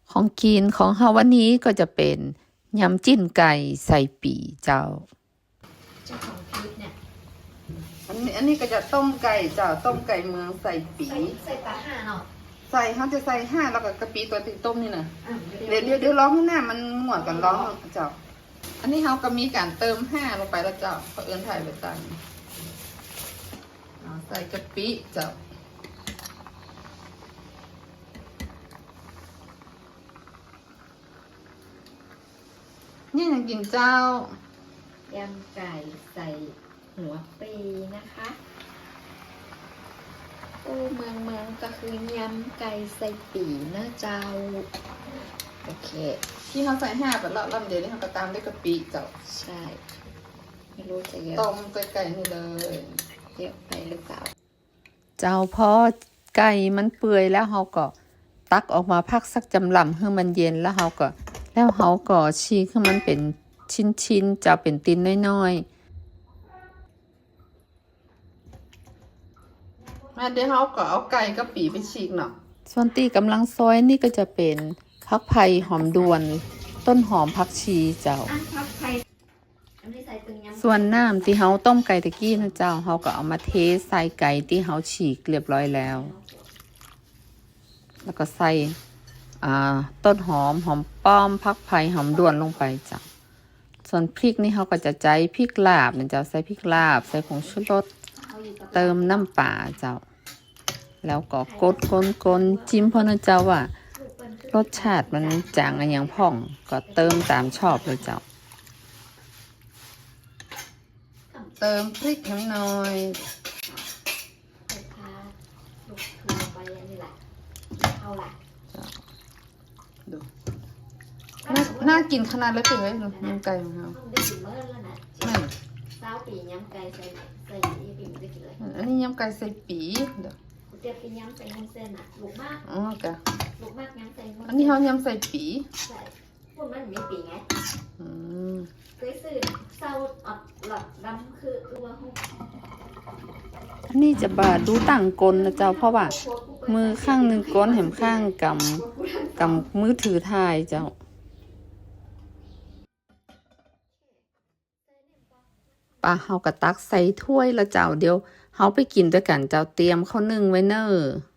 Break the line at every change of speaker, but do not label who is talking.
ของกินของเฮาวันนี้ก็จะเป็นยำจิ้นไก่ใส่ปีเจ้า
ของพีชเนี่ย
อันนี้ก็จะต้มไก่เจ้าต้มไก่เมืองใส่ปี
ใส่ปลาห่าเนาะ
ใส่เขาจะใส่5แล้วก็กะปิตัวติต้มนี่นะเดี๋ยวร้องให้หน้ามันหมดก่อนร้องเจ้าอันนี้เขาก็มีการเติม5ลงไปแล้วเจ้าเขาเอื้อนถ่ายไปตั้งใส่กะปิเจ้านี่ยังกินเจ้าย
ำไก่ใส่หัวปีนะคะโอ้เมืองก็คือยำไก่ใส่ปีนะเจ้าโอเค
ที่เขาใส่5แบบลำเดียวนี่เขาก็ตามด้วยกะปิเจ้า
ใช่ไม่รู้จะเยอะ
ต้มไก่นี่เลย
เยอะไปหรือเปล่า
เจ้าพอไก่มันเปื่อยแล้วเขาก็ตักออกมาพักสักจำลำให้มันเย็นแล้วเขาก็ฉีกให้มันเป็นชิ้นๆจะเป็นตินน้อยๆเดี๋ยวเขาก็เอาไก่กับปีไปฉีกเนาะส่วนตีกำลังซอยนี่ก็จะเป็นผักไผ่หอมดวนต้นหอมผักชีเจ้าส่วนน้ำที่เขาต้มไก่ตะกี้นะเจ้าเขาก็เอามาเทใส่ไก่ที่เขาฉีกเรียบร้อยแล้วก็ใส่ต้นหอมป้อมผักไผ่หอมดวนลงไปจ้ะส่วนพริกนี่เขาก็จะใจพริกลาบเนี่ยเจ้าใส่พริกลาบใส่ผงชูรสเติมน้ำปลาเจ้าแล้วก็กดจิ้มเพราะนะเจ้าว่ารสชาติมันจางอย่างพ่องก็เติมตามชอบเลยเจ้าเติมพริกน้ำน้อยดูน่ากินขนาดเลยเป็นไงยำไก่ของเราไม่
เจ้าปียำไก่ใส่ปีมันจะกินเลย
อันนี้ยำไก่ใส่ปีเดี๋ยว
เดี๋ยวเป็นยำใส่วุ้นเส้นอ่ะลูกมาก
อ๋อจ้ะ
ลูกมากยำใส่วุ้น
อันนี้เขายำใส่ปี
ใช่พวกมันมีปีไงเคยซื้อเศร้าอดหลอดดำคือตัวห้อง
อันนี้จะบาดดูต่างกลนะเจ้าเพราะว่ามือข้างหนึ่งก้นแหมข้างกำมือถือถ่ายเจ้าปลาเฮากระตักใส่ถ้วยละเจ้าเดี๋ยวเฮาไปกินด้วยกันเจ้าเตรียมข้าวนึ่งไว้เนอ